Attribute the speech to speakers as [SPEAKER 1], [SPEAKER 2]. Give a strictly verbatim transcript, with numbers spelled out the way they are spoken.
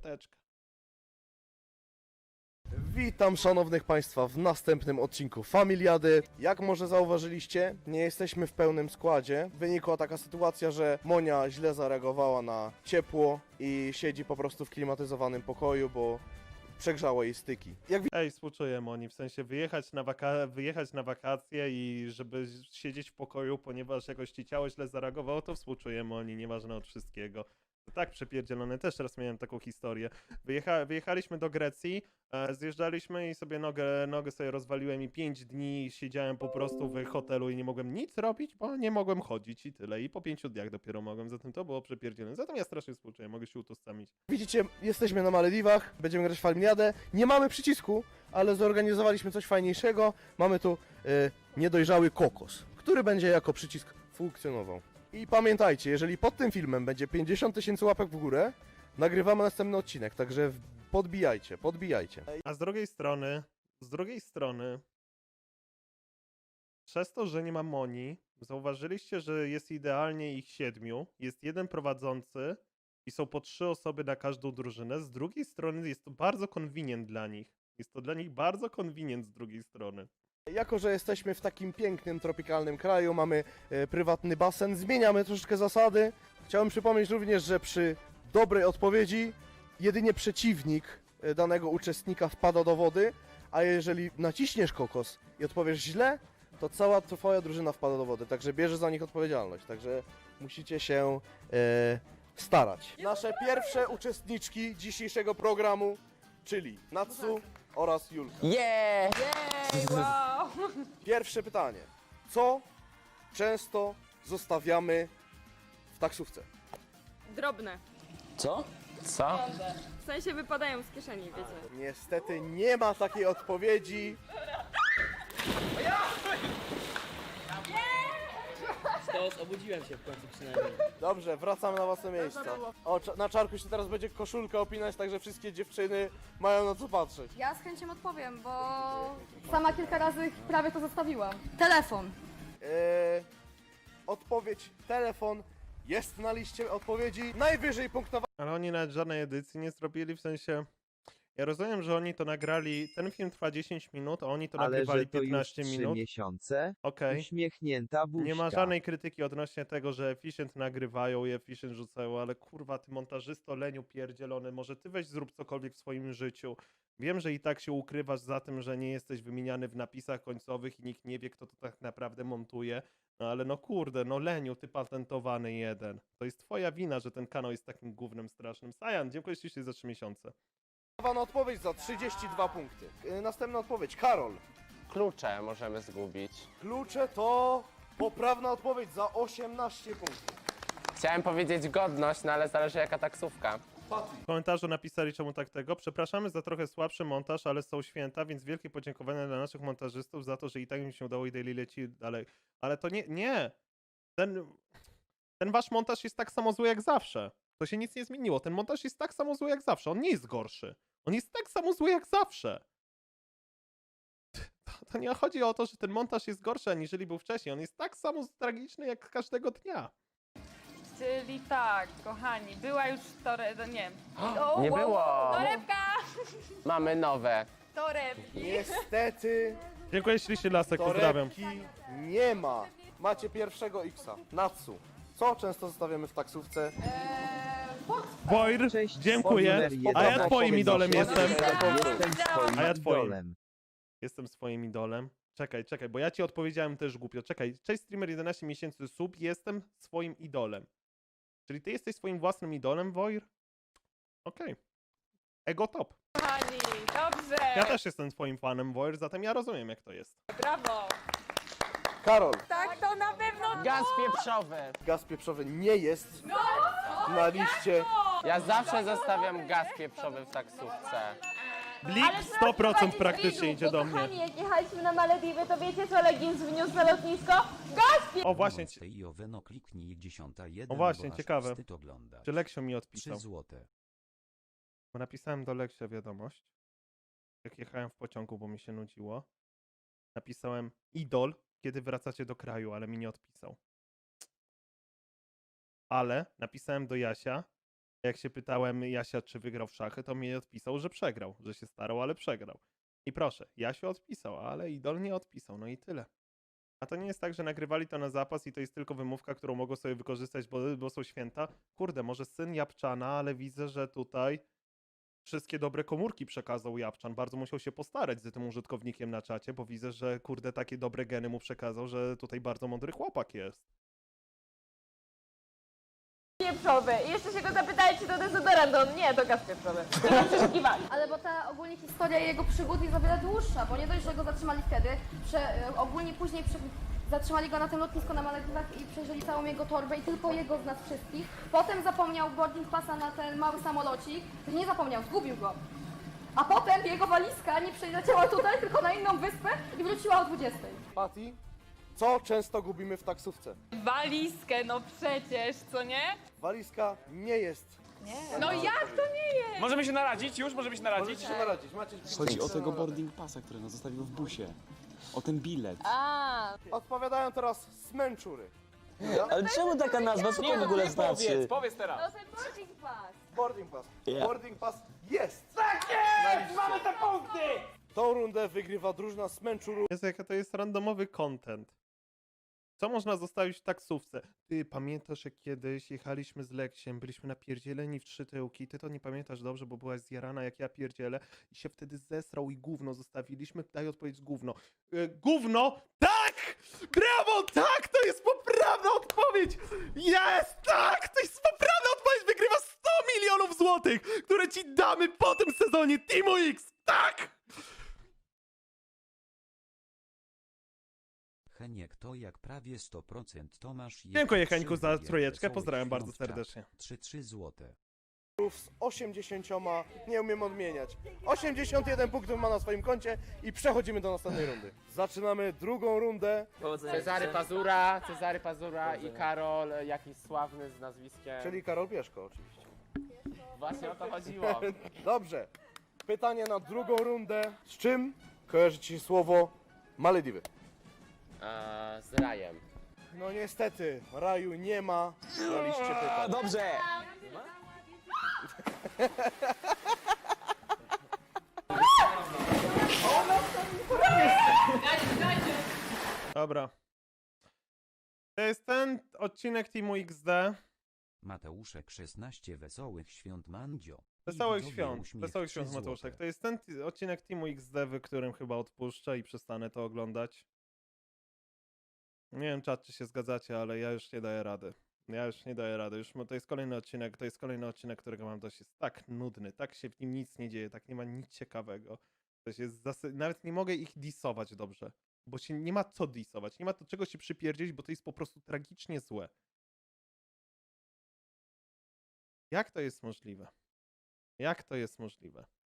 [SPEAKER 1] Teczka.
[SPEAKER 2] Witam szanownych Państwa w następnym odcinku Familiady. Jak może zauważyliście, nie jesteśmy w pełnym składzie. Wynikła taka sytuacja, że Monia źle zareagowała na ciepło i siedzi po prostu w klimatyzowanym pokoju, bo przegrzało jej styki. Jak
[SPEAKER 1] Ej, współczuję Moni, w sensie wyjechać na, waka wyjechać na wakacje i żeby siedzieć w pokoju, ponieważ jakoś ci ciało źle zareagowało, to współczuję Moni, nieważne od wszystkiego. To tak przepierdzielone, też raz miałem taką historię. Wyjecha wyjechaliśmy do Grecji, e, zjeżdżaliśmy i sobie nogę, nogę sobie rozwaliłem i pięć dni siedziałem po prostu w hotelu i nie mogłem nic robić, bo nie mogłem chodzić i tyle. I po pięciu dniach dopiero mogłem, zatem to było przepierdzielone. Zatem ja strasznie współczuję, mogę się utożsamić.
[SPEAKER 2] widzicie, jesteśmy na Malediwach, będziemy grać w Familiadę. Nie mamy przycisku, ale zorganizowaliśmy coś fajniejszego. Mamy tu e, niedojrzały kokos, który będzie jako przycisk funkcjonował. I pamiętajcie, jeżeli pod tym filmem będzie pięćdziesiąt tysięcy łapek w górę, nagrywamy następny odcinek, także podbijajcie, podbijajcie.
[SPEAKER 1] A z drugiej strony, z drugiej strony, przez to, że nie ma Moni, zauważyliście, że jest idealnie ich siedmiu, jest jeden prowadzący i są po trzy osoby na każdą drużynę. Z drugiej strony jest to bardzo convenient dla nich. Jest to dla nich bardzo convenient z drugiej strony.
[SPEAKER 2] Jako że jesteśmy w takim pięknym, tropikalnym kraju, mamy e, prywatny basen, zmieniamy troszeczkę zasady. Chciałem przypomnieć również, że przy dobrej odpowiedzi jedynie przeciwnik e, danego uczestnika wpada do wody, a jeżeli naciśniesz kokos i odpowiesz źle, to cała twoja drużyna wpada do wody, także bierze za nich odpowiedzialność, także musicie się e, starać. Nasze pierwsze uczestniczki dzisiejszego programu, czyli Natsu oraz Julka.
[SPEAKER 3] Yeah!
[SPEAKER 4] Jej, wow!
[SPEAKER 2] Pierwsze pytanie. Co często zostawiamy w taksówce?
[SPEAKER 4] Drobne.
[SPEAKER 3] Co? Co?
[SPEAKER 4] W sensie wypadają z kieszeni, wiecie.
[SPEAKER 2] Niestety nie ma takiej odpowiedzi.
[SPEAKER 3] Stos, obudziłem się w końcu przynajmniej.
[SPEAKER 2] Dobrze, wracamy na własne miejsca. O, cza- na czarku się teraz będzie koszulka opinać, także wszystkie dziewczyny mają na co patrzeć.
[SPEAKER 5] Ja z chęcią odpowiem, bo sama kilka razy prawie to zostawiłam. Telefon.
[SPEAKER 2] Eee, odpowiedź telefon jest na liście odpowiedzi. Najwyżej punktowa.
[SPEAKER 1] Ale oni nawet żadnej edycji nie zrobili, w sensie... Ja rozumiem, że oni to nagrali... Ten film trwa dziesięć minut, a oni to
[SPEAKER 6] Ale
[SPEAKER 1] nagrywali
[SPEAKER 6] że to
[SPEAKER 1] piętnaście
[SPEAKER 6] już trzy
[SPEAKER 1] minut.
[SPEAKER 6] miesiące,
[SPEAKER 1] Okej.
[SPEAKER 6] uśmiechnięta buźka.
[SPEAKER 1] Nie ma żadnej krytyki odnośnie tego, że Efficient nagrywają i Efficient rzucają, ale kurwa, ty montażysto leniu pierdzielony, może ty weź zrób cokolwiek w swoim życiu. Wiem, że i tak się ukrywasz za tym, że nie jesteś wymieniany w napisach końcowych i nikt nie wie, kto to tak naprawdę montuje, no ale no kurde, no leniu, ty patentowany jeden. To jest twoja wina, że ten kanał jest takim gównem strasznym. Sajan, dziękuję ci za trzy miesiące.
[SPEAKER 2] Na odpowiedź za trzydzieści dwa punkty. Eee, następna odpowiedź. Karol.
[SPEAKER 3] Klucze możemy zgubić.
[SPEAKER 2] Klucze to poprawna odpowiedź za osiemnaście punktów.
[SPEAKER 3] Chciałem powiedzieć godność, no ale zależy jaka taksówka.
[SPEAKER 1] W komentarzu napisali czemu tak tego. Przepraszamy za trochę słabszy montaż, ale są święta, więc wielkie podziękowania dla naszych montażystów za to, że i tak im się udało i daily leci dalej. Ale to nie, nie! Ten, ten wasz montaż jest tak samo zły jak zawsze. To się nic nie zmieniło. Ten montaż jest tak samo zły jak zawsze. On nie jest gorszy. On jest tak samo zły jak zawsze. To, to nie chodzi o to, że ten montaż jest gorszy aniżeli był wcześniej. On jest tak samo tragiczny jak każdego dnia.
[SPEAKER 7] Czyli tak, kochani, była już tore... no nie. O,
[SPEAKER 3] Nie
[SPEAKER 7] wow,
[SPEAKER 3] było!
[SPEAKER 7] Torebka!
[SPEAKER 3] Mamy nowe.
[SPEAKER 7] Torebki.
[SPEAKER 2] Niestety
[SPEAKER 1] Dziękuję ślicznie Lasek, pozdrawiam.
[SPEAKER 2] torebki nie ma. Macie pierwszego X-a. Natsu. Co często zostawiamy w taksówce?
[SPEAKER 1] Wojr,
[SPEAKER 6] Cześć,
[SPEAKER 1] dziękuję.
[SPEAKER 6] numer
[SPEAKER 1] A ja
[SPEAKER 6] jeden.
[SPEAKER 1] twoim idolem jestem.
[SPEAKER 6] Jestem twoim
[SPEAKER 1] A ja twoim.
[SPEAKER 6] idolem.
[SPEAKER 1] Jestem swoim idolem. Czekaj, czekaj, bo ja ci odpowiedziałem też głupio. Czekaj, cześć streamer jedenaście miesięcy sub, jestem swoim idolem. Czyli ty jesteś swoim własnym idolem, Wojr? Okej. Ego top.
[SPEAKER 7] Kochani, dobrze!
[SPEAKER 1] Ja też jestem twoim fanem, Wojr, zatem ja rozumiem jak to jest.
[SPEAKER 7] Brawo!
[SPEAKER 2] Karol.
[SPEAKER 7] Tak, to na pewno
[SPEAKER 3] Gaz pieprzowy.
[SPEAKER 2] Gaz pieprzowy nie jest na liście.
[SPEAKER 3] Ja zawsze zostawiam gaz pieprzowy w taksówce.
[SPEAKER 1] Blik sto procent praktycznie idzie do mnie.
[SPEAKER 8] Kochani, jak jechaliśmy na Malediwy, to wiecie co Legins wniósł na lotnisko? Gaz!
[SPEAKER 1] O właśnie, ci-
[SPEAKER 9] I oweno kliknij dziesiąta jeden,
[SPEAKER 1] o właśnie,
[SPEAKER 9] bo aż
[SPEAKER 1] ciekawe.
[SPEAKER 9] wstyd oglądać.
[SPEAKER 1] Czy Leksio mi
[SPEAKER 9] Trzy
[SPEAKER 1] odpisał?
[SPEAKER 9] złote.
[SPEAKER 1] Bo napisałem do Leksia wiadomość, jak jechałem w pociągu, bo mi się nudziło. Napisałem idol, kiedy wracacie do kraju, ale mi nie odpisał. Ale napisałem do Jasia, Jak się pytałem Jasia, czy wygrał w szachy, to mi odpisał, że przegrał, że się starał, ale przegrał. I proszę, Jasiu odpisał, ale Idol nie odpisał, no i tyle. A to nie jest tak, że nagrywali to na zapas i to jest tylko wymówka, którą mogą sobie wykorzystać, bo, bo są święta. Kurde, może syn Japczana, ale widzę, że tutaj wszystkie dobre komórki przekazał Japczan. Bardzo musiał się postarać z tym użytkownikiem na czacie, bo widzę, że kurde, takie dobre geny mu przekazał, że tutaj bardzo mądry chłopak jest.
[SPEAKER 8] Pieprzowy. I jeszcze się go zapytali, czy to dezodorant. On nie, to gaz pieprzowy. Nie przeszukiwali.
[SPEAKER 5] Ale bo ta ogólnie historia jego przygód jest o wiele dłuższa, bo nie dość, że go zatrzymali wtedy, prze, e, ogólnie później prze, zatrzymali go na tym lotnisku na Malediwach i przejrzeli całą jego torbę i tylko jego z nas wszystkich. Potem zapomniał boarding passa na ten mały samolocik, nie zapomniał, zgubił go. A potem jego walizka nie przyleciała tutaj, tylko na inną wyspę i wróciła o dwudziestej.
[SPEAKER 2] Patty, co często gubimy w taksówce?
[SPEAKER 7] Walizkę, no przecież, co nie?
[SPEAKER 2] Walizka nie jest.
[SPEAKER 7] No jak to nie jest?
[SPEAKER 10] Możemy się naradzić? Już możemy się naradzić?
[SPEAKER 2] Możecie się naradzić, macie...
[SPEAKER 11] Chodzi o tego boarding passa, który nas zostawił w busie. O ten bilet.
[SPEAKER 2] Odpowiadają teraz smęczury.
[SPEAKER 11] Ale czemu taka nazwa? Co to w ogóle znaczy?
[SPEAKER 10] Powiedz, powiedz teraz.
[SPEAKER 8] ten boarding pass.
[SPEAKER 2] Boarding pass.
[SPEAKER 11] Ja.
[SPEAKER 2] Boarding pass jest!
[SPEAKER 10] Mamy te punkty!
[SPEAKER 2] Tą rundę wygrywa drużyna smęczurów.
[SPEAKER 1] Jest jaka to jest randomowy content. Co można zostawić w taksówce? Ty pamiętasz, jak kiedyś jechaliśmy z Leksiem, byliśmy napierdzieleni w trzy tyłki, ty to nie pamiętasz dobrze, bo byłaś zjarana jak ja pierdzielę i się wtedy zesrał i gówno zostawiliśmy. Daj odpowiedź gówno. E, gówno? Tak! Brawo! Tak! To jest poprawna odpowiedź! Jest! Tak! To jest poprawna odpowiedź! Wygrywa sto milionów złotych, które ci damy po tym sezonie Teamu X! Tak!
[SPEAKER 9] Heniek to jak prawie sto procent Tomasz.
[SPEAKER 1] Dziękuję Heńku za trójeczkę, pozdrawiam bardzo serdecznie.
[SPEAKER 9] trzy trzy złote.
[SPEAKER 2] Z osiemdziesięcioma, nie umiem odmieniać. osiemdziesiąt jeden punktów ma na swoim koncie i przechodzimy do następnej rundy. Zaczynamy drugą rundę,
[SPEAKER 3] Cezary Pazura, Cezary Pazura i Karol, e, jakiś sławny z nazwiskiem.
[SPEAKER 2] czyli Karol Pieszko oczywiście.
[SPEAKER 3] Właśnie o to chodziło.
[SPEAKER 2] Dobrze. Pytanie na drugą rundę. Z czym kojarzy ci się słowo Malediwy?
[SPEAKER 3] Eee, z rajem.
[SPEAKER 2] No niestety, raju nie ma na liście pytań.
[SPEAKER 11] Dobrze!
[SPEAKER 1] Dobra. To jest ten odcinek Teamu X D.
[SPEAKER 9] Mateuszek szesnaście wesołych świąt Mandzio.
[SPEAKER 1] Wesołych
[SPEAKER 9] Widzowie
[SPEAKER 1] świąt.
[SPEAKER 9] uśmiech
[SPEAKER 1] Wesołych
[SPEAKER 9] trzy
[SPEAKER 1] świąt
[SPEAKER 9] złote.
[SPEAKER 1] Mateuszek. To jest ten t- odcinek Teamu X D, w którym chyba odpuszczę i przestanę to oglądać. Nie wiem, czat, czy się zgadzacie, ale ja już nie daję rady. Ja już nie daję rady. Już mo- to jest kolejny odcinek, to jest kolejny odcinek, którego mam dość. Jest tak nudny, tak się w nim nic nie dzieje, tak nie ma nic ciekawego. To się jest zasy- Nawet nie mogę ich disować dobrze, bo się nie ma co disować, nie ma do czego się przypierdzieć, bo to jest po prostu tragicznie złe. Jak to jest możliwe? Jak to jest możliwe?